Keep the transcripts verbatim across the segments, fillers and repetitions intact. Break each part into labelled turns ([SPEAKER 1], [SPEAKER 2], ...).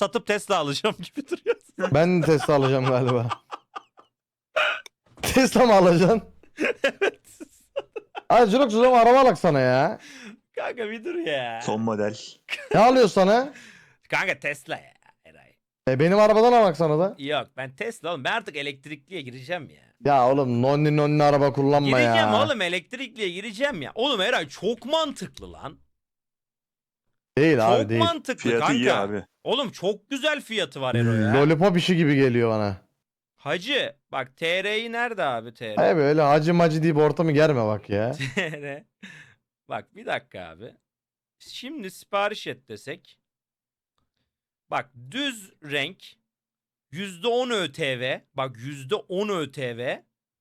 [SPEAKER 1] satıp Tesla alacağım gibi duruyorsun.
[SPEAKER 2] Ben Tesla alacağım galiba. Tesla mı alacaksın?
[SPEAKER 1] Evet.
[SPEAKER 2] Ay Jirox o zaman araba alak sana ya.
[SPEAKER 1] Kanka bir dur ya.
[SPEAKER 3] Son model.
[SPEAKER 2] Ne alıyor sana?
[SPEAKER 1] Kanka Tesla ya. Eray.
[SPEAKER 2] E benim arabadan alak sana da.
[SPEAKER 1] Yok ben Tesla oğlum. Ben artık elektrikliye gireceğim ya.
[SPEAKER 2] Ya oğlum nonni nonni araba kullanma ya.
[SPEAKER 1] Gireceğim oğlum elektrikliye gireceğim ya. Oğlum Eray çok mantıklı lan.
[SPEAKER 2] Değil abi
[SPEAKER 1] Çok
[SPEAKER 2] değil.
[SPEAKER 1] mantıklı
[SPEAKER 3] Fiyatı
[SPEAKER 1] kanka.
[SPEAKER 3] iyi abi.
[SPEAKER 1] Oğlum çok güzel fiyatı var Ero ya.
[SPEAKER 2] Lollipop işi gibi geliyor bana.
[SPEAKER 1] Hacı bak T R'yi nerede abi T R?
[SPEAKER 2] Hayır böyle hacı macı deyip ortamı germe bak ya.
[SPEAKER 1] T R. Bak bir dakika abi. Şimdi sipariş et desek. Bak düz renk yüzde on ÖTV. Bak yüzde on ÖTV.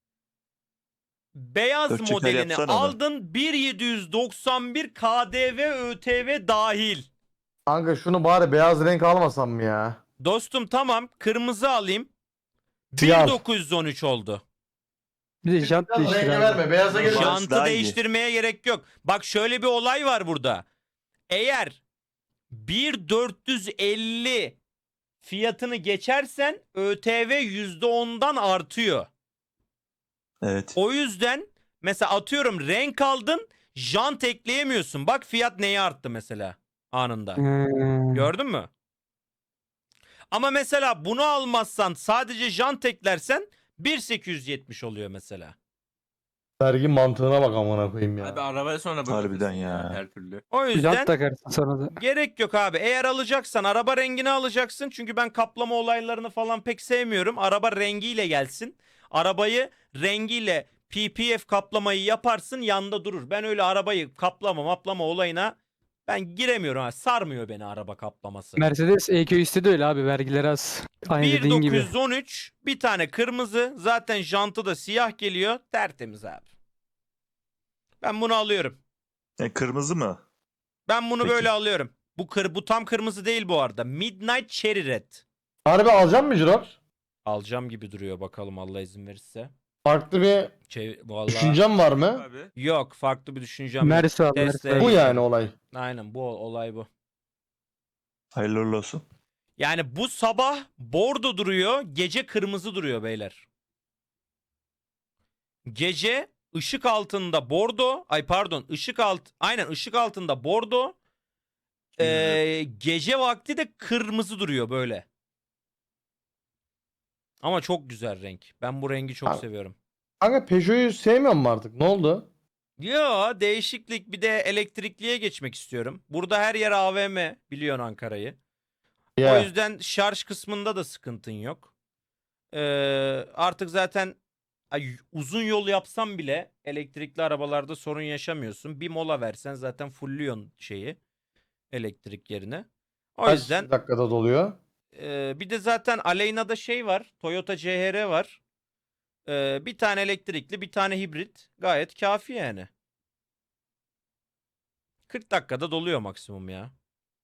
[SPEAKER 1] Beyaz
[SPEAKER 3] Dört çeker
[SPEAKER 1] modelini
[SPEAKER 3] yapsana onu.
[SPEAKER 1] aldın bin yedi yüz doksan bir K D V ÖTV dahil.
[SPEAKER 2] Kanka şunu bari beyaz renk almasam mı ya?
[SPEAKER 1] Dostum tamam kırmızı alayım.
[SPEAKER 2] Siyah.
[SPEAKER 1] bin dokuz yüz on üç oldu.
[SPEAKER 4] Bir de jant değiştir
[SPEAKER 2] Renge
[SPEAKER 4] abi.
[SPEAKER 2] verme beyaza
[SPEAKER 3] Şans-
[SPEAKER 2] gelin.
[SPEAKER 1] Jantı
[SPEAKER 3] daha iyi.
[SPEAKER 1] değiştirmeye gerek yok. Bak şöyle bir olay var burada. Eğer bir dört yüz elli fiyatını geçersen ÖTV yüzde ondan artıyor.
[SPEAKER 3] Evet.
[SPEAKER 1] O yüzden mesela atıyorum renk aldın jant ekleyemiyorsun. Bak fiyat neye arttı mesela anında.
[SPEAKER 4] Hmm.
[SPEAKER 1] Gördün mü? Ama mesela bunu almazsan sadece jant eklersen bin sekiz yüz yetmiş oluyor mesela.
[SPEAKER 2] Vergi mantığına bak amına koyayım ya.
[SPEAKER 5] Abi arabaya sonra
[SPEAKER 3] Harbiden
[SPEAKER 5] bakarsın
[SPEAKER 3] ya.
[SPEAKER 5] Her türlü.
[SPEAKER 1] O
[SPEAKER 4] Jant
[SPEAKER 1] yüzden
[SPEAKER 4] takarsın sonra da.
[SPEAKER 1] gerek yok abi. Eğer alacaksan araba rengini alacaksın. Çünkü ben kaplama olaylarını falan pek sevmiyorum. Araba rengiyle gelsin. Arabayı rengiyle P P F kaplamayı yaparsın yanda durur. Ben öyle arabayı kaplama maplama olayına ben giremiyorum. Ha. Sarmıyor beni araba kaplaması.
[SPEAKER 4] Mercedes E Q iste de öyle abi, vergileri az. Aynı dediğin gibi.
[SPEAKER 1] bin dokuz yüz on üç bir tane kırmızı zaten jantı da siyah geliyor. Tertemiz abi. Ben bunu alıyorum.
[SPEAKER 3] E, kırmızı mı?
[SPEAKER 1] Ben bunu
[SPEAKER 3] Peki.
[SPEAKER 1] böyle alıyorum. Bu kır bu tam kırmızı değil bu arada. Midnight Cherry Red.
[SPEAKER 2] Harbi alacak mı Jirox?
[SPEAKER 1] Alacağım gibi duruyor bakalım Allah izin verirse.
[SPEAKER 2] Farklı bir
[SPEAKER 1] Çev Vallahi
[SPEAKER 2] düşüncem var mı?
[SPEAKER 5] Abi.
[SPEAKER 1] yok farklı bir düşüncem yok.
[SPEAKER 4] Mersi al,
[SPEAKER 1] Tesla-
[SPEAKER 4] Mersi al.
[SPEAKER 2] Bu yani olay.
[SPEAKER 1] Aynen bu olay bu.
[SPEAKER 3] Hayırlı uğurlu olsun.
[SPEAKER 1] Yani bu sabah bordo duruyor, gece kırmızı duruyor beyler. Gece ışık altında bordo, ay pardon, ışık alt aynen ışık altında bordo. Ee, gece vakti de kırmızı duruyor böyle. Ama çok güzel renk. Ben bu rengi çok
[SPEAKER 2] Abi-
[SPEAKER 1] seviyorum.
[SPEAKER 2] Kanka Peugeot'u sevmiyor mu artık? Ne oldu?
[SPEAKER 1] Yo değişiklik bir de elektrikliye geçmek istiyorum. Burada her yer A V M biliyorsun Ankara'yı. O
[SPEAKER 2] Ya.
[SPEAKER 1] yüzden şarj kısmında da sıkıntın yok. Ee, artık zaten ay, uzun yol yapsam bile elektrikli arabalarda sorun yaşamıyorsun. Bir mola versen zaten fullüyorsun şeyi elektrik yerine. O
[SPEAKER 2] Kaç
[SPEAKER 1] yüzden
[SPEAKER 2] dakikada doluyor?
[SPEAKER 1] e, bir de zaten Aleyna'da şey var. Toyota C H R var. Ee, bir tane elektrikli bir tane hibrit gayet kafi yani. kırk dakikada doluyor maksimum ya.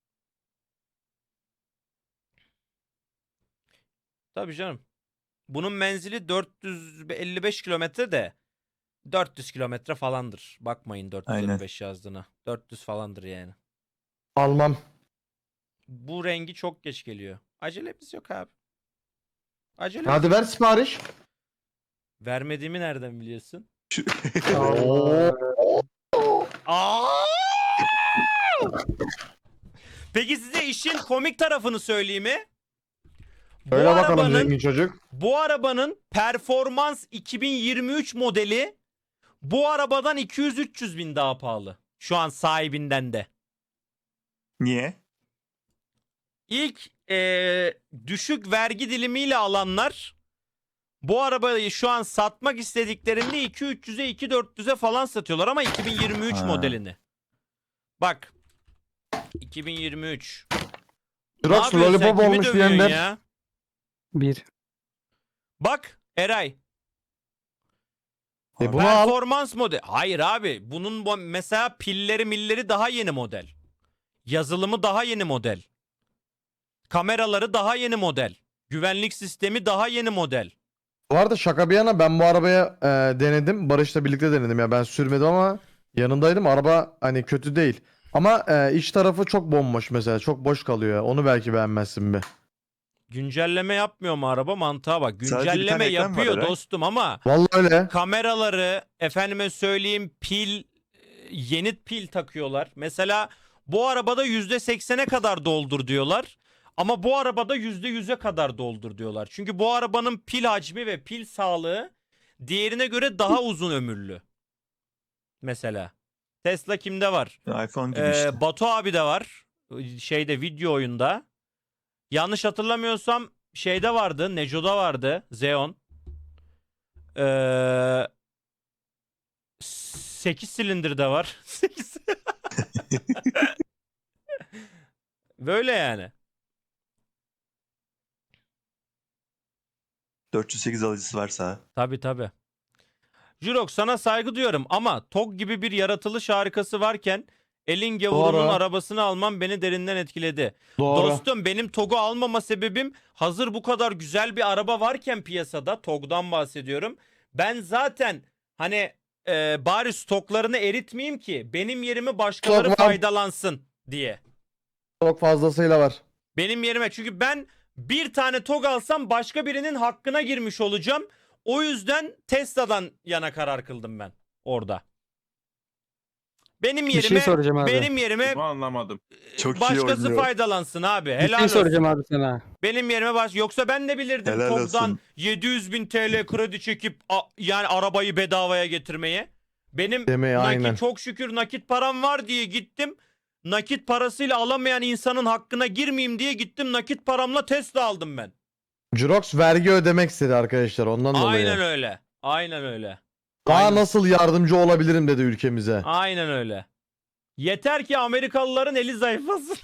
[SPEAKER 1] Tabii canım. Bunun menzili dört yüz elli beş kilometre de dört yüz kilometre falandır. Bakmayın dört yüz elli beş yazdığına. dört yüz falandır yani.
[SPEAKER 2] Almam.
[SPEAKER 1] Bu rengi çok geç geliyor. Acelemiz yok abi. Acelemiz
[SPEAKER 2] Hadi
[SPEAKER 1] yok.
[SPEAKER 2] ver sipariş.
[SPEAKER 1] Vermediğimi nereden biliyorsun?
[SPEAKER 2] Oo.
[SPEAKER 1] Aa! Peki size işin komik tarafını söyleyeyim mi? Bu
[SPEAKER 2] Öyle bakalım
[SPEAKER 1] arabanın,
[SPEAKER 2] zengin çocuk.
[SPEAKER 1] bu arabanın performans iki bin yirmi üç modeli bu arabadan iki yüz üç yüz bin daha pahalı. Şu an sahibinden de.
[SPEAKER 3] Niye?
[SPEAKER 1] İlk eee, düşük vergi dilimiyle alanlar bu arabayı şu an satmak istediklerinde iki bin üç yüze iki bin dört yüze falan satıyorlar ama iki bin yirmi üç
[SPEAKER 3] Ha.
[SPEAKER 1] modelini. Bak. iki bin yirmi üç. Ne
[SPEAKER 2] Jirox
[SPEAKER 1] yapıyorsun sen?
[SPEAKER 2] lollipop
[SPEAKER 1] Kimi
[SPEAKER 2] olmuş
[SPEAKER 1] dövüyorsun
[SPEAKER 2] diyenler.
[SPEAKER 1] ya?
[SPEAKER 4] Bir.
[SPEAKER 1] Bak Eray.
[SPEAKER 2] E bunu al.
[SPEAKER 1] Performans model. Hayır abi. Bunun bu- mesela pilleri milleri daha yeni model. Yazılımı daha yeni model. Kameraları daha yeni model. Güvenlik sistemi daha yeni model.
[SPEAKER 2] Bu arada şaka bir yana ben bu arabaya e, denedim. Barış'la birlikte denedim ya. Ben sürmedim ama yanındaydım. Araba hani kötü değil. Ama e, iç tarafı çok bomboş mesela. Çok boş kalıyor. Onu belki beğenmezsin bir.
[SPEAKER 1] Güncelleme yapmıyor mu araba? Mantığa bak.
[SPEAKER 3] Sadece bir
[SPEAKER 1] Güncelleme
[SPEAKER 3] tane ekran var
[SPEAKER 1] yapıyor
[SPEAKER 3] Eray.
[SPEAKER 1] dostum ama
[SPEAKER 2] Vallahi öyle.
[SPEAKER 1] kameraları efendime söyleyeyim pil yeni pil takıyorlar. Mesela bu arabada yüzde seksene kadar doldur diyorlar. Ama bu arabada yüzde yüze kadar doldur diyorlar. Çünkü bu arabanın pil hacmi ve pil sağlığı diğerine göre daha uzun ömürlü. Mesela. Tesla kimde var?
[SPEAKER 3] iPhone gibi
[SPEAKER 1] Ee,
[SPEAKER 3] işte.
[SPEAKER 1] Batu abi de var. Şeyde video oyunda. Yanlış hatırlamıyorsam şeyde vardı. Neco'da vardı. Xeon. Ee, sekiz silindir de var. sekiz. Böyle yani.
[SPEAKER 3] dört yüz sekiz alıcısı varsa.
[SPEAKER 1] Tabi tabi. Jurok sana saygı duyuyorum ama T O G gibi bir yaratılış harikası varken elin gavurunun
[SPEAKER 2] Doğru.
[SPEAKER 1] arabasını almam beni derinden etkiledi.
[SPEAKER 2] Doğru.
[SPEAKER 1] Dostum benim T O G'u almama sebebim hazır bu kadar güzel bir araba varken piyasada T O G'dan bahsediyorum. Ben zaten hani e, bari stoklarını eritmeyeyim ki benim yerime başkaları
[SPEAKER 2] Stok var.
[SPEAKER 1] faydalansın diye.
[SPEAKER 2] Çok fazlasıyla var.
[SPEAKER 1] Benim yerime çünkü ben bir tane T O G alsam başka birinin hakkına girmiş olacağım. O yüzden Tesla'dan yana karar kıldım ben orada. Benim
[SPEAKER 4] Bir şey
[SPEAKER 1] yerime
[SPEAKER 4] soracağım abi.
[SPEAKER 1] benim yerime
[SPEAKER 5] Bunu anlamadım.
[SPEAKER 3] Çok iyi
[SPEAKER 1] başkası
[SPEAKER 3] oynuyor.
[SPEAKER 1] faydalansın abi.
[SPEAKER 4] Bir
[SPEAKER 1] Helal
[SPEAKER 4] şey soracağım
[SPEAKER 1] olsun.
[SPEAKER 4] abi sana.
[SPEAKER 1] Benim yerime baş yoksa ben de bilirdim
[SPEAKER 3] Helal
[SPEAKER 1] T O G'dan
[SPEAKER 3] olsun.
[SPEAKER 1] yedi yüz bin T L kredi çekip a- yani arabayı bedavaya getirmeye. Benim
[SPEAKER 2] Demeyi
[SPEAKER 1] nakit
[SPEAKER 2] aynen.
[SPEAKER 1] çok şükür nakit param var diye gittim. Nakit parasıyla alamayan insanın hakkına girmeyeyim diye gittim nakit paramla Tesla aldım ben.
[SPEAKER 2] Jurox vergi ödemek istedi arkadaşlar ondan dolayı.
[SPEAKER 1] Aynen öyle. Aynen öyle.
[SPEAKER 2] Daha
[SPEAKER 1] Aynen.
[SPEAKER 2] nasıl yardımcı olabilirim dedi ülkemize.
[SPEAKER 1] Aynen öyle. Yeter ki Amerikalıların eli zayıflasın.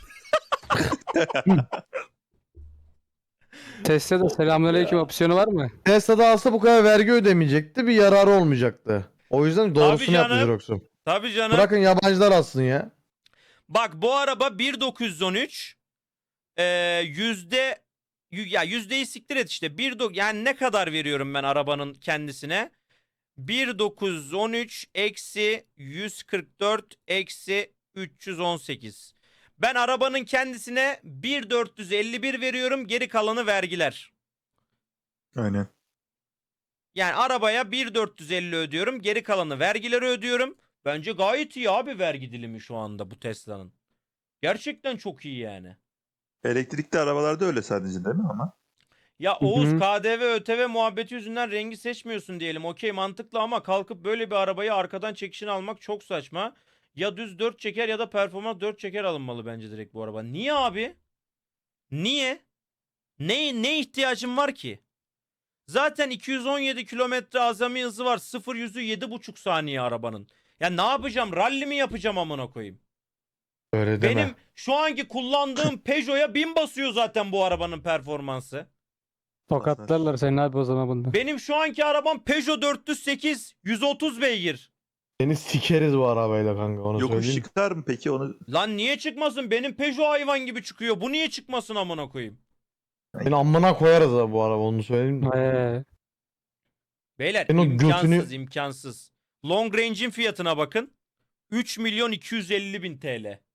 [SPEAKER 4] Tesla'da selamünaleyküm opsiyonu var mı?
[SPEAKER 2] Tesla'da alsa bu kadar vergi ödemeyecekti. Bir yararı olmayacaktı. O yüzden doğrusunu yaptı
[SPEAKER 1] canım.
[SPEAKER 2] Jurox'um.
[SPEAKER 1] Tabii canım.
[SPEAKER 2] Bırakın yabancılar alsın ya.
[SPEAKER 1] Bak bu araba bir dokuz on üç ee, yüzde y- ya yüzdeyi siktir et işte. Bir do- yani ne kadar veriyorum ben arabanın kendisine? bir dokuz on üç eksi yüz kırk dört eksi üç yüz on sekiz. Ben arabanın kendisine bir dört yüz elli bir veriyorum. Geri kalanı vergiler.
[SPEAKER 3] Aynen.
[SPEAKER 1] Yani arabaya bir dört yüz elli ödüyorum. Geri kalanı vergileri ödüyorum. Bence gayet iyi abi vergi dilimi şu anda bu Tesla'nın. Gerçekten çok iyi yani.
[SPEAKER 3] Elektrikli arabalarda öyle sadece değil mi ama?
[SPEAKER 1] Ya
[SPEAKER 4] Hı
[SPEAKER 1] Oğuz
[SPEAKER 4] hı.
[SPEAKER 1] K D V ÖTV muhabbeti yüzünden rengi seçmiyorsun diyelim. Okey mantıklı ama kalkıp böyle bir arabayı arkadan çekişini almak çok saçma. Ya düz dört çeker ya da performans dört çeker alınmalı bence direkt bu araba. Niye abi? Niye? Ne, ne ihtiyacın var ki? Zaten iki yüz on yedi kilometre azami hızı var. sıfır yüzü yedi buçuk saniye arabanın. Ya ne yapacağım? Rally mi yapacağım amına koyayım?
[SPEAKER 2] Öyle deme.
[SPEAKER 1] Benim şu anki kullandığım Peugeot'a bin basıyor zaten bu arabanın performansı.
[SPEAKER 4] Tokatlarlar seni abi o zaman bunda.
[SPEAKER 1] Benim şu anki arabam Peugeot dört yüz sekiz yüz otuz beygir.
[SPEAKER 2] Seni sikeriz bu arabayla kanka onu
[SPEAKER 3] Yokuş
[SPEAKER 2] söyleyeyim.
[SPEAKER 3] çıkar mı peki onu?
[SPEAKER 1] Lan niye çıkmasın? Benim Peugeot hayvan gibi çıkıyor. Bu niye çıkmasın amına koyayım?
[SPEAKER 2] Seni amına koyarız ha bu araba onu söyleyeyim. de.
[SPEAKER 4] Ee,
[SPEAKER 1] Beyler
[SPEAKER 2] Ben o
[SPEAKER 1] imkansız
[SPEAKER 2] götünü-
[SPEAKER 1] imkansız. Long range'in fiyatına bakın. üç milyon iki yüz elli bin T L.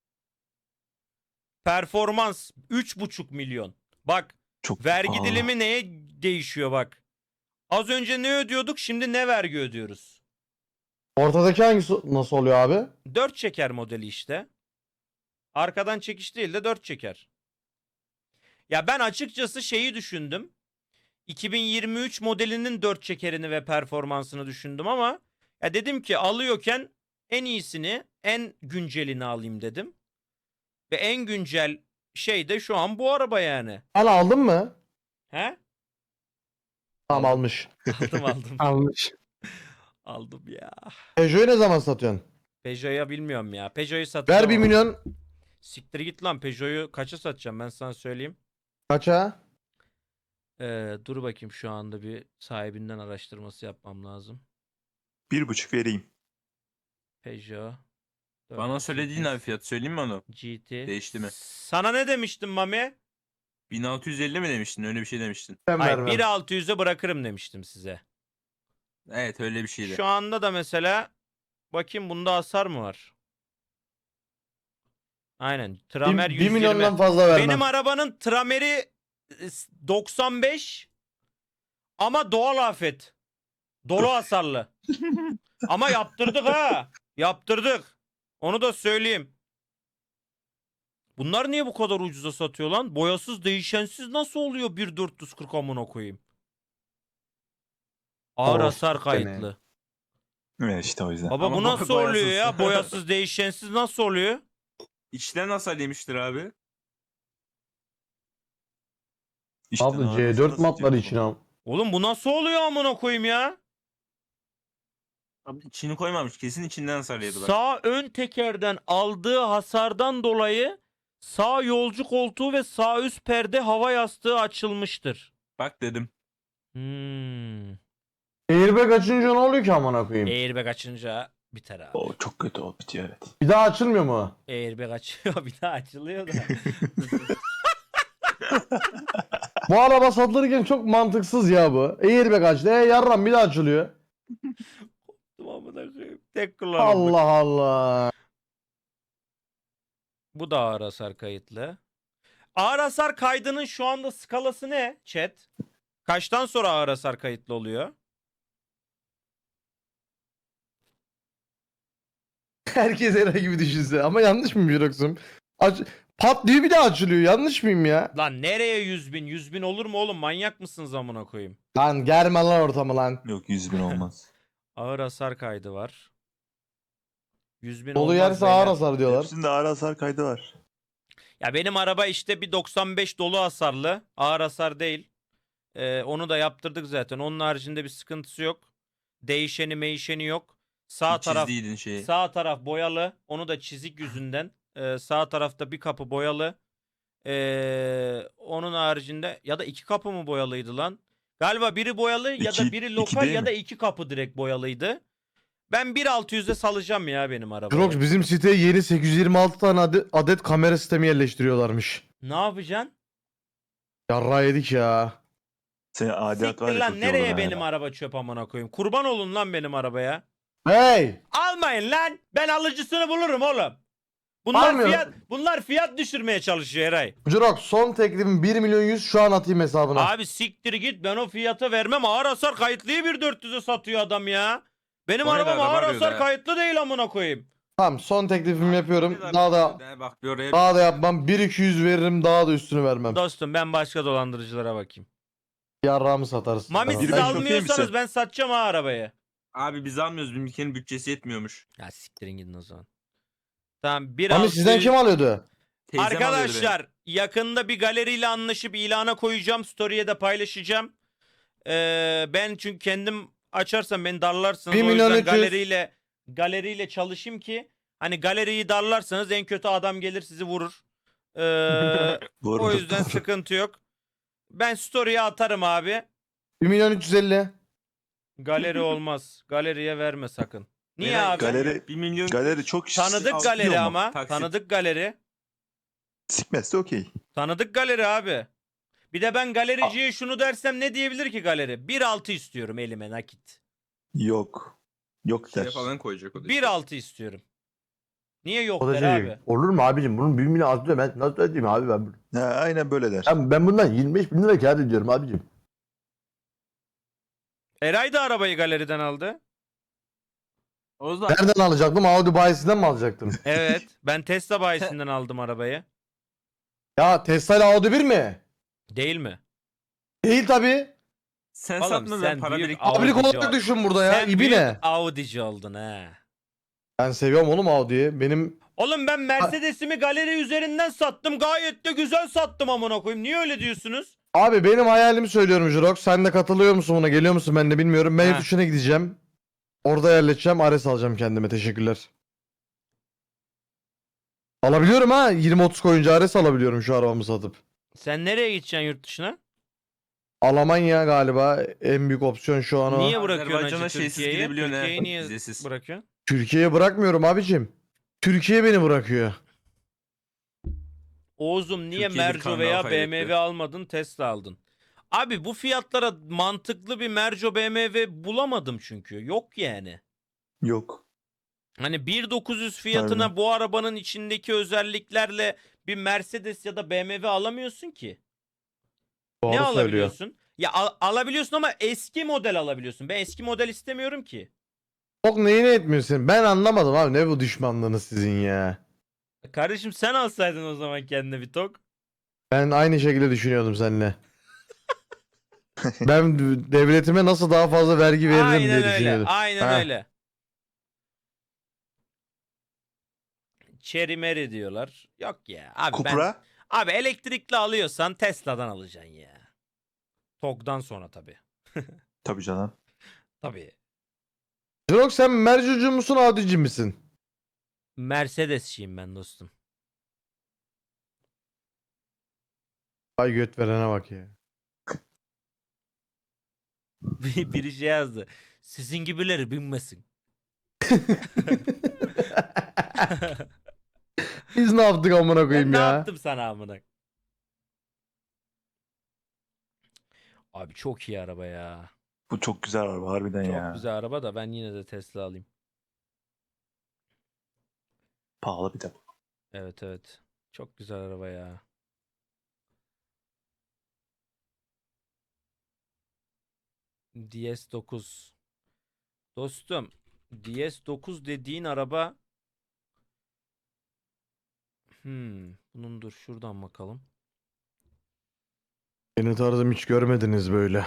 [SPEAKER 1] Performans üç buçuk milyon. Bak
[SPEAKER 3] Çok
[SPEAKER 1] vergi
[SPEAKER 3] pahalı.
[SPEAKER 1] dilimi neye değişiyor bak. Az önce ne ödüyorduk şimdi ne vergi ödüyoruz?
[SPEAKER 2] Ortadaki hangisi nasıl oluyor abi?
[SPEAKER 1] dört çeker modeli işte. Arkadan çekiş değil de dört çeker. Ya ben açıkçası şeyi düşündüm. iki bin yirmi üç modelinin dört çekerini ve performansını düşündüm ama ya dedim ki alıyorken en iyisini, en güncelini alayım dedim. Ve en güncel şey de şu an bu araba yani.
[SPEAKER 2] Sen aldın mı?
[SPEAKER 1] He?
[SPEAKER 2] Tamam almış.
[SPEAKER 1] Aldım aldım.
[SPEAKER 4] almış.
[SPEAKER 1] Aldım ya.
[SPEAKER 2] Peugeot'u ne zaman satıyorsun?
[SPEAKER 1] Peugeot'a bilmiyorum ya. Peugeot'u satacağım.
[SPEAKER 2] Ver bir
[SPEAKER 1] ama.
[SPEAKER 2] milyon.
[SPEAKER 1] Siktir git lan Peugeot'u kaça satacağım ben sana söyleyeyim.
[SPEAKER 2] Kaça?
[SPEAKER 1] Ee, dur bakayım şu anda bir sahibinden araştırması yapmam lazım.
[SPEAKER 3] Bir buçuk vereyim.
[SPEAKER 1] Peugeot.
[SPEAKER 5] Bana söylediğin abi fiyat söyleyeyim mi onu?
[SPEAKER 1] G T.
[SPEAKER 5] Değişti mi?
[SPEAKER 1] Sana ne demiştim Mami?
[SPEAKER 5] bin altı yüz elli mi demiştin? Öyle bir şey demiştin.
[SPEAKER 2] Ben
[SPEAKER 1] Hayır
[SPEAKER 2] vermem.
[SPEAKER 1] bir altı yüze bırakırım demiştim size.
[SPEAKER 5] Evet öyle bir şeydi.
[SPEAKER 1] Şu anda da mesela bakayım bunda hasar mı var? Aynen. Tramer
[SPEAKER 2] bir,
[SPEAKER 1] yüz
[SPEAKER 2] bir
[SPEAKER 1] yirmi.
[SPEAKER 2] milyondan fazla vermem.
[SPEAKER 1] Benim arabanın trameri e, doksan beş ama doğal afet. Dolu hasarlı. Ama yaptırdık ha. Yaptırdık. Onu da söyleyeyim. Bunlar niye bu kadar ucuza satıyor lan? Boyasız değişensiz nasıl oluyor bir dört yüz kırk amına koyayım? Ağır
[SPEAKER 2] Of,
[SPEAKER 1] hasar
[SPEAKER 2] seni.
[SPEAKER 1] kayıtlı.
[SPEAKER 3] Evet işte o yüzden.
[SPEAKER 1] Baba
[SPEAKER 5] Ama
[SPEAKER 1] bu
[SPEAKER 5] boy-
[SPEAKER 1] nasıl oluyor
[SPEAKER 5] boyasız.
[SPEAKER 1] ya? Boyasız değişensiz nasıl oluyor?
[SPEAKER 5] İçten hasar yemiştir abi.
[SPEAKER 3] İşte
[SPEAKER 2] Abi
[SPEAKER 3] arabası
[SPEAKER 2] C dört
[SPEAKER 3] nasıl
[SPEAKER 2] matları
[SPEAKER 3] diyor
[SPEAKER 2] için
[SPEAKER 3] bu?
[SPEAKER 2] al.
[SPEAKER 1] Oğlum bu nasıl oluyor amına koyayım ya?
[SPEAKER 5] Abi içini koymamış. Kesin içinden hasar yedi bak.
[SPEAKER 1] Sağ ön tekerden aldığı hasardan dolayı sağ yolcu koltuğu ve sağ üst perde hava yastığı açılmıştır.
[SPEAKER 5] Bak dedim.
[SPEAKER 1] Hmm.
[SPEAKER 2] Airbag açınca ne oluyor ki amına koyayım?
[SPEAKER 1] Airbag açınca biter abi.
[SPEAKER 3] O çok kötü o bitiyor evet.
[SPEAKER 2] Bir daha açılmıyor mu?
[SPEAKER 1] Airbag açıyor bir daha açılıyor da.
[SPEAKER 2] Bu araba satılırken çok mantıksız ya bu. Airbag açtı. E yarram bir daha açılıyor.
[SPEAKER 1] Amına koyayım. Tek kullanımlık.
[SPEAKER 2] Allah Allah.
[SPEAKER 1] Bu da ağır hasar kayıtlı. Ağır hasar kaydının şu anda skalası ne chat? Kaçtan sonra ağır hasar kayıtlı oluyor?
[SPEAKER 2] Herkes Eray gibi düşünse. Ama yanlış mıyım Jirox'um? Aç... Pat diye bir daha açılıyor. Yanlış mıyım ya?
[SPEAKER 1] Lan nereye yüz bin? yüz bin olur mu oğlum? Manyak mısınız amına koyayım?
[SPEAKER 2] Lan germe lan ortamı lan.
[SPEAKER 3] Yok yüz bin olmaz.
[SPEAKER 1] Ağır hasar kaydı var. yüz bin
[SPEAKER 2] Dolu
[SPEAKER 1] olmaz
[SPEAKER 2] yerse ağır
[SPEAKER 1] beyler.
[SPEAKER 2] hasar diyorlar.
[SPEAKER 3] Hepsinde ağır hasar kaydı var.
[SPEAKER 1] Ya benim araba işte bir doksan beş dolu hasarlı. Ağır hasar değil. Ee, onu da yaptırdık zaten. Onun haricinde bir sıkıntısı yok. Değişeni meyişeni yok. Sağ taraf
[SPEAKER 5] Çizdiydin şeyi.
[SPEAKER 1] sağ taraf boyalı. Onu da çizik yüzünden. Ee, sağ tarafta bir kapı boyalı. Ee, onun haricinde ya da iki kapı mı boyalıydı lan? Galiba biri boyalı ya da
[SPEAKER 3] İki-
[SPEAKER 1] biri
[SPEAKER 3] iki
[SPEAKER 1] lokal
[SPEAKER 3] değil
[SPEAKER 1] ya
[SPEAKER 3] mi?
[SPEAKER 1] da iki kapı direkt boyalıydı. Ben bir altı yüze salacağım ya benim arabayı.
[SPEAKER 2] Jirox bizim siteye yeni sekiz yüz yirmi altı tane adet, adet kamera sistemi yerleştiriyorlarmış.
[SPEAKER 1] Ne yapacaksın?
[SPEAKER 2] Yarra yedik ya.
[SPEAKER 3] Senin adilat var
[SPEAKER 1] Siktir
[SPEAKER 3] ya
[SPEAKER 1] lan
[SPEAKER 3] çok iyi
[SPEAKER 1] nereye
[SPEAKER 3] olur ha.
[SPEAKER 1] benim araba çöp amına koyayım? Kurban olun lan benim arabaya.
[SPEAKER 2] Hey!
[SPEAKER 1] Almayın lan. Ben alıcısını bulurum oğlum. Bunlar
[SPEAKER 2] Almıyorum.
[SPEAKER 1] fiyat bunlar fiyat düşürmeye çalışıyor Eray.
[SPEAKER 2] Jirox son teklifim bir milyon yüz şu an atayım hesabına.
[SPEAKER 1] Abi siktir git ben o fiyata vermem. Ağır hasar kayıtlıyı bir dört yüze satıyor adam ya. Benim
[SPEAKER 5] O ne
[SPEAKER 1] arabam
[SPEAKER 5] de araba
[SPEAKER 1] ağır
[SPEAKER 5] diyor
[SPEAKER 1] hasar
[SPEAKER 5] da.
[SPEAKER 1] kayıtlı değil amına koyayım.
[SPEAKER 2] Tamam son teklifimi yapıyorum.
[SPEAKER 5] Bir
[SPEAKER 2] Daha da
[SPEAKER 5] de Bak bir oraya.
[SPEAKER 2] daha da yapmam. bir iki yüz veririm daha da üstünü vermem.
[SPEAKER 1] Dostum ben başka dolandırıcılara bakayım.
[SPEAKER 2] Yarrağımı satarsın.
[SPEAKER 1] Mami
[SPEAKER 2] Tamam.
[SPEAKER 1] siz
[SPEAKER 3] Bir ben çok iyi
[SPEAKER 1] almıyorsanız
[SPEAKER 3] misin?
[SPEAKER 1] ben satacağım ha arabayı.
[SPEAKER 5] Abi biz almıyoruz. Bizimkinin bütçesi yetmiyormuş.
[SPEAKER 1] Ya siktirin gidin o zaman. Tamam bir
[SPEAKER 2] Mami
[SPEAKER 1] altı
[SPEAKER 2] sizden
[SPEAKER 1] yüz
[SPEAKER 2] kim alıyordu?
[SPEAKER 5] Teyzem alıyordu beni.
[SPEAKER 1] Arkadaşlar yakında bir galeriyle anlaşıp ilana koyacağım. Story'e de paylaşacağım. Ee, ben çünkü kendim açarsam beni darlarsınız.
[SPEAKER 2] Bir
[SPEAKER 1] O
[SPEAKER 2] milyon
[SPEAKER 1] yüzden
[SPEAKER 2] üç yüz.
[SPEAKER 1] galeriyle galeriyle çalışayım ki hani galeriyi darlarsanız en kötü adam gelir sizi vurur. Ee,
[SPEAKER 3] Doğru.
[SPEAKER 1] o yüzden sıkıntı yok. Ben story'e atarım abi.
[SPEAKER 2] bir milyon üç yüz elli.
[SPEAKER 1] Galeri olmaz. Galeriye verme sakın. Niye
[SPEAKER 5] Eray,
[SPEAKER 1] abi?
[SPEAKER 3] Galeri-
[SPEAKER 5] bir milyon
[SPEAKER 3] Galeri çok
[SPEAKER 1] Tanıdık
[SPEAKER 5] Al-
[SPEAKER 1] galeri
[SPEAKER 5] diyor mu?
[SPEAKER 1] ama.
[SPEAKER 5] Taksit.
[SPEAKER 1] Tanıdık galeri.
[SPEAKER 3] Sikmezse okey.
[SPEAKER 1] Tanıdık galeri abi. Bir de ben galericiye şunu dersem ne diyebilir ki galeri? bir altı istiyorum elime nakit.
[SPEAKER 3] Yok. Yok
[SPEAKER 5] şey
[SPEAKER 3] der.
[SPEAKER 5] falan koyacak o da.
[SPEAKER 1] bir altı istiyorum. Niye yok
[SPEAKER 2] O da
[SPEAKER 1] der
[SPEAKER 2] şey,
[SPEAKER 1] abi?
[SPEAKER 2] olur mu abicim bunun bir milyon az diyor ben nasıl ödeyeyim abi ben bunu.
[SPEAKER 3] Ha, aynen böyle der.
[SPEAKER 2] Ben, ben bundan yirmi beş bin lira kâr ediyorum abicim.
[SPEAKER 1] E, Eray da arabayı galeriden aldı.
[SPEAKER 5] O zaman
[SPEAKER 2] Nereden alacaktım? Audi bayisinden mi alacaktım?
[SPEAKER 1] Evet. Ben Tesla bayisinden aldım arabayı.
[SPEAKER 2] Ya Tesla ile Audi bir mi?
[SPEAKER 1] Değil mi?
[SPEAKER 2] Değil tabi.
[SPEAKER 5] sen
[SPEAKER 1] Oğlum,
[SPEAKER 5] satma
[SPEAKER 1] sen
[SPEAKER 5] ben para
[SPEAKER 1] büyük
[SPEAKER 5] birik.
[SPEAKER 1] Audi
[SPEAKER 2] Abilik olarak
[SPEAKER 1] ol-
[SPEAKER 2] düşün burada ya.
[SPEAKER 1] Sen
[SPEAKER 2] İbi
[SPEAKER 1] büyük
[SPEAKER 2] ne?
[SPEAKER 1] Audi'ci oldun ha.
[SPEAKER 2] Ben seviyorum oğlum Audi'yi. Benim
[SPEAKER 1] Oğlum ben Mercedes'imi galeri üzerinden sattım. Gayet de güzel sattım amına koyayım. Niye öyle diyorsunuz?
[SPEAKER 2] abi benim hayalimi söylüyorum Jirox. Sen de katılıyor musun buna? Geliyor musun? Ben de bilmiyorum. Ben
[SPEAKER 1] Ha.
[SPEAKER 2] yurt dışına gideceğim. Orada yerleşeceğim. Ares alacağım kendime. Teşekkürler. Alabiliyorum ha. yirmi otuz koyunca Ares alabiliyorum şu arabamı satıp.
[SPEAKER 1] Sen nereye gideceksin yurt dışına?
[SPEAKER 2] Almanya galiba en büyük opsiyon şu an o.
[SPEAKER 1] Niye bırakıyorsun
[SPEAKER 5] Azerbaycan'a
[SPEAKER 1] acı
[SPEAKER 5] şeysiz
[SPEAKER 1] Türkiye'yi?
[SPEAKER 5] gidebiliyorsun he,
[SPEAKER 1] Türkiye'yi niye
[SPEAKER 5] vizesiz.
[SPEAKER 1] bırakıyorsun?
[SPEAKER 2] Türkiye'ye bırakmıyorum abicim. Türkiye beni bırakıyor.
[SPEAKER 1] Oğuz'um niye
[SPEAKER 5] Türkiye'de
[SPEAKER 1] Merco
[SPEAKER 5] Karnal
[SPEAKER 1] veya
[SPEAKER 5] kaybetti.
[SPEAKER 1] B M W almadın Tesla aldın? Abi bu fiyatlara mantıklı bir Merco B M W bulamadım çünkü. Yok yani.
[SPEAKER 3] Yok.
[SPEAKER 1] Hani bir bin dokuz yüz fiyatına
[SPEAKER 3] Aynen.
[SPEAKER 1] bu arabanın içindeki özelliklerle bir Mercedes ya da B M W alamıyorsun ki.
[SPEAKER 2] Doğru
[SPEAKER 1] ne
[SPEAKER 2] söylüyor.
[SPEAKER 1] alabiliyorsun? Ya al- alabiliyorsun ama eski model alabiliyorsun. Ben eski model istemiyorum ki.
[SPEAKER 2] Çok neyine etmiyorsun? Ben anlamadım abi, ne bu düşmanlığınız sizin ya.
[SPEAKER 1] Kardeşim sen alsaydın o zaman kendine bir tok.
[SPEAKER 2] Ben aynı şekilde düşünüyordum seninle. Ben devletime nasıl daha fazla vergi veririm
[SPEAKER 1] Aynen
[SPEAKER 2] diye
[SPEAKER 1] öyle.
[SPEAKER 2] düşünüyordum.
[SPEAKER 1] Aynen
[SPEAKER 2] Ha.
[SPEAKER 1] öyle. Cherry Mary diyorlar. Yok ya. Abi ben
[SPEAKER 3] Cupra.
[SPEAKER 1] abi elektrikli alıyorsan Tesla'dan alacaksın ya. Tog'dan sonra tabii.
[SPEAKER 3] Tabii canım.
[SPEAKER 1] Tabii.
[SPEAKER 2] Jirok, sen Mercucu musun, Audi'ci misin?
[SPEAKER 1] Mercedes'çiyim ben dostum.
[SPEAKER 2] Ay göt verene bak ya.
[SPEAKER 1] Bir- Biri şey yazdı. Sizin gibileri binmesin.
[SPEAKER 2] Biz ne yaptık amına
[SPEAKER 1] Ben
[SPEAKER 2] koyayım
[SPEAKER 1] ne
[SPEAKER 2] ya?
[SPEAKER 1] yaptım sana amına? Abi çok iyi araba ya.
[SPEAKER 3] Bu çok güzel araba harbiden
[SPEAKER 1] Çok
[SPEAKER 3] ya.
[SPEAKER 1] güzel araba da ben yine de Tesla alayım.
[SPEAKER 3] Pahalı bir de.
[SPEAKER 1] Evet evet. Çok güzel araba ya. D S dokuz. Dostum, D S dokuz dediğin araba Hmm, bunun dur şuradan bakalım.
[SPEAKER 2] Beni tarzım hiç görmediniz böyle.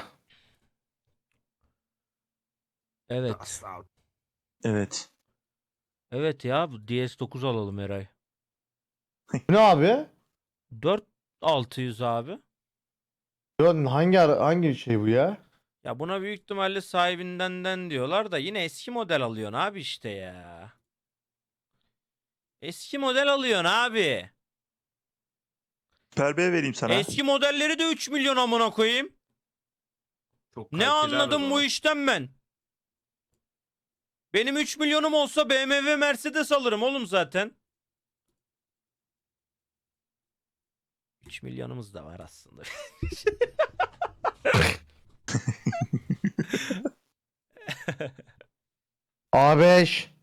[SPEAKER 1] Evet.
[SPEAKER 3] Evet.
[SPEAKER 1] Evet ya bu D S dokuz alalım Eray.
[SPEAKER 2] Ne abi?
[SPEAKER 1] dört bin altı yüz abi.
[SPEAKER 2] Ya hangi ara- hangi şey bu ya?
[SPEAKER 1] Ya buna büyük ihtimalle sahibindenden diyorlar da yine eski model alıyorsun abi işte ya. Eski model alıyorsun abi.
[SPEAKER 3] Süper B vereyim sana.
[SPEAKER 1] Eski modelleri de üç milyon amına koyayım.
[SPEAKER 5] Çok
[SPEAKER 1] Ne
[SPEAKER 5] kaliteli
[SPEAKER 1] anladım
[SPEAKER 5] araba.
[SPEAKER 1] bu işten ben? Benim üç milyonum olsa B M W Mercedes alırım oğlum zaten. üç milyonumuz da var aslında.
[SPEAKER 2] A beş.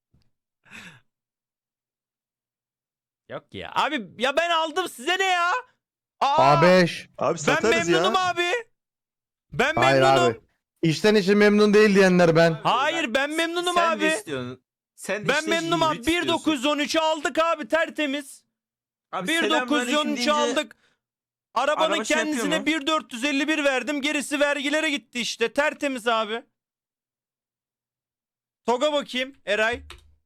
[SPEAKER 1] Yok ya. Abi ya ben aldım size ne ya? Aa,
[SPEAKER 2] A beş.
[SPEAKER 3] Abi
[SPEAKER 1] ben
[SPEAKER 3] satarız
[SPEAKER 1] memnunum
[SPEAKER 3] ya.
[SPEAKER 1] abi. Ben
[SPEAKER 2] Hayır
[SPEAKER 1] memnunum.
[SPEAKER 2] abi. İçten içe memnun değil diyenler ben.
[SPEAKER 1] Hayır ben memnunum
[SPEAKER 5] Sen
[SPEAKER 1] abi.
[SPEAKER 5] de istiyorsun. Sen de
[SPEAKER 1] Ben
[SPEAKER 5] işte
[SPEAKER 1] memnunum abi.
[SPEAKER 5] hibrit istiyorsun.
[SPEAKER 1] bir bin dokuz yüz on üçü aldık abi tertemiz.
[SPEAKER 5] Abi
[SPEAKER 1] bir bin dokuz yüz on
[SPEAKER 5] selamünaleyküm
[SPEAKER 1] üçü
[SPEAKER 5] deyince
[SPEAKER 1] aldık. Arabanın
[SPEAKER 5] araba şey yapıyor
[SPEAKER 1] kendisine
[SPEAKER 5] mu?
[SPEAKER 1] bir bin dört yüz elli bir verdim. Gerisi vergilere gitti işte. Tertemiz abi. Toga bakayım Eray.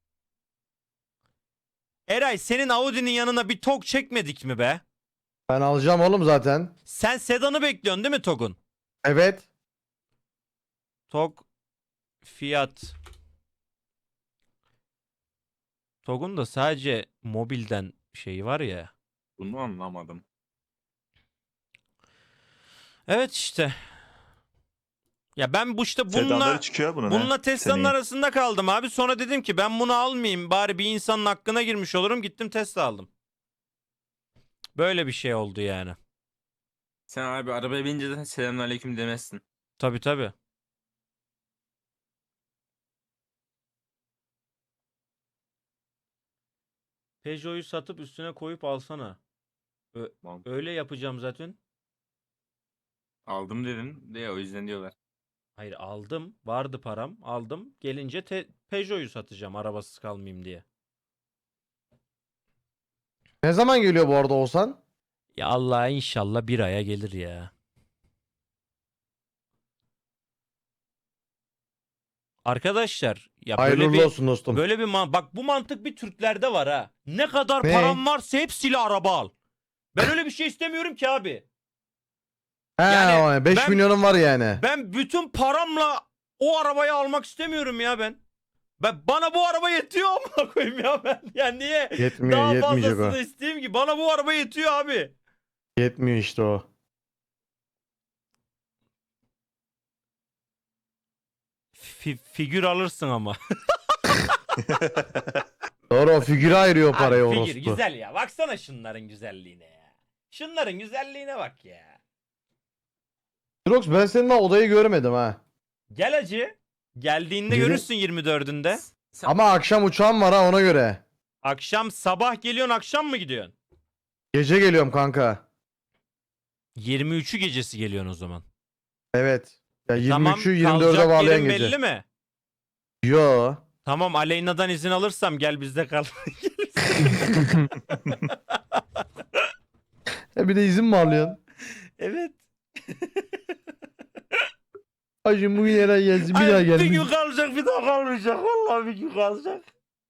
[SPEAKER 1] Eray senin Audi'nin yanına bir Tog çekmedik mi be?
[SPEAKER 2] Ben alacağım oğlum zaten.
[SPEAKER 1] Sen sedanı bekliyorsun değil mi Tog'un?
[SPEAKER 2] Evet.
[SPEAKER 1] Tog fiyat. Tog'un da sadece mobilden şeyi var ya.
[SPEAKER 5] Bunu anlamadım.
[SPEAKER 1] Evet işte. Ya ben bu işte bununla
[SPEAKER 3] Sedanları çıkıyor bunun.
[SPEAKER 1] bununla
[SPEAKER 3] he,
[SPEAKER 1] Tesla'nın
[SPEAKER 3] seneye.
[SPEAKER 1] arasında kaldım abi. Sonra dedim ki ben bunu almayayım. Bari bir insanın hakkına girmiş olurum. Gittim Tesla aldım. Böyle bir şey oldu yani.
[SPEAKER 5] Sen abi arabaya binince zaten selamünaleyküm demezsin.
[SPEAKER 1] Tabii tabii. Peugeot'u satıp üstüne koyup alsana. Ö-
[SPEAKER 5] Tamam.
[SPEAKER 1] öyle yapacağım zaten.
[SPEAKER 5] Aldım dedin de o yüzden diyorlar.
[SPEAKER 1] Hayır aldım. Vardı param. Aldım. Gelince te- Peugeot'u satacağım arabasız kalmayayım diye.
[SPEAKER 2] Ne zaman geliyor bu arada Oğuzhan?
[SPEAKER 1] Ya Allah inşallah bir aya gelir ya. Arkadaşlar ya
[SPEAKER 2] Hayırlı
[SPEAKER 1] böyle
[SPEAKER 2] uğurlu
[SPEAKER 1] bir
[SPEAKER 2] olsun dostum.
[SPEAKER 1] böyle bir man- bak bu mantık bir Türklerde var ha. Ne kadar
[SPEAKER 2] Ne?
[SPEAKER 1] param varsa hepsiyle araba al. Ben öyle bir şey istemiyorum ki abi.
[SPEAKER 2] He,
[SPEAKER 1] yani
[SPEAKER 2] beş
[SPEAKER 1] ben-
[SPEAKER 2] milyonum var yani.
[SPEAKER 1] Ben bütün paramla o arabayı almak istemiyorum ya ben. Ben bana bu araba yetiyor ama koyayım ya ben. Ya niye
[SPEAKER 2] Yetmiyor,
[SPEAKER 1] daha
[SPEAKER 2] yetmeyecek
[SPEAKER 1] fazlasını
[SPEAKER 2] o.
[SPEAKER 1] isteyeyim ki? Bana bu araba yetiyor abi.
[SPEAKER 2] Yetmiyor işte o.
[SPEAKER 1] Fi- figür alırsın ama.
[SPEAKER 2] Doğru, o figüre ayırıyor
[SPEAKER 1] Abi
[SPEAKER 2] parayı
[SPEAKER 1] figür
[SPEAKER 2] orospu.
[SPEAKER 1] güzel ya. Baksana şunların güzelliğine ya. Şunların güzelliğine bak ya.
[SPEAKER 2] Jirox, ben senin daha odayı görmedim ha.
[SPEAKER 1] Gel acı. Geldiğinde
[SPEAKER 2] Gelin-
[SPEAKER 1] görürsün yirmi dördünde.
[SPEAKER 5] Sen-
[SPEAKER 2] Ama akşam uçağım var ha ona göre.
[SPEAKER 1] Akşam sabah geliyorsun akşam mı gidiyorsun?
[SPEAKER 2] Gece geliyorum kanka.
[SPEAKER 1] yirmi üçü gecesi geliyorsun o zaman.
[SPEAKER 2] Evet. Ya
[SPEAKER 1] Tamam,
[SPEAKER 2] yirmi üçü yirmi dörde
[SPEAKER 1] kalacak
[SPEAKER 2] bağlayan
[SPEAKER 1] yerin
[SPEAKER 2] gece.
[SPEAKER 1] belli mi?
[SPEAKER 2] Yo.
[SPEAKER 1] Tamam, Aleyna'dan izin alırsam gel bizde kal.
[SPEAKER 2] E bir de izin mi alıyorsun?
[SPEAKER 1] Evet.
[SPEAKER 2] Hacım bugün Eray gelsin bir daha
[SPEAKER 1] Ay, bir gün
[SPEAKER 2] gelmiş.
[SPEAKER 1] kalacak bir daha kalmayacak. Vallahi bir gün kalacak.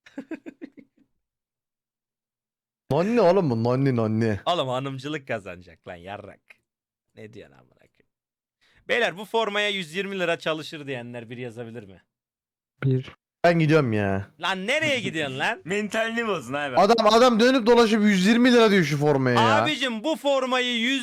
[SPEAKER 2] Nonni oğlum bu nonni nonni.
[SPEAKER 1] Oğlum hanımcılık kazanacak lan yarrak. Ne diyorsun amına koyayım? Beyler bu formaya yüz yirmi lira çalışır diyenler bir yazabilir mi?
[SPEAKER 4] Bir.
[SPEAKER 2] Ben gidiyorum ya.
[SPEAKER 1] Lan nereye gidiyorsun lan?
[SPEAKER 5] Mentalini bozun abi.
[SPEAKER 2] Adam adam dönüp dolaşıp yüz yirmi lira diyor şu formaya ya.
[SPEAKER 1] Abicim bu formayı yüz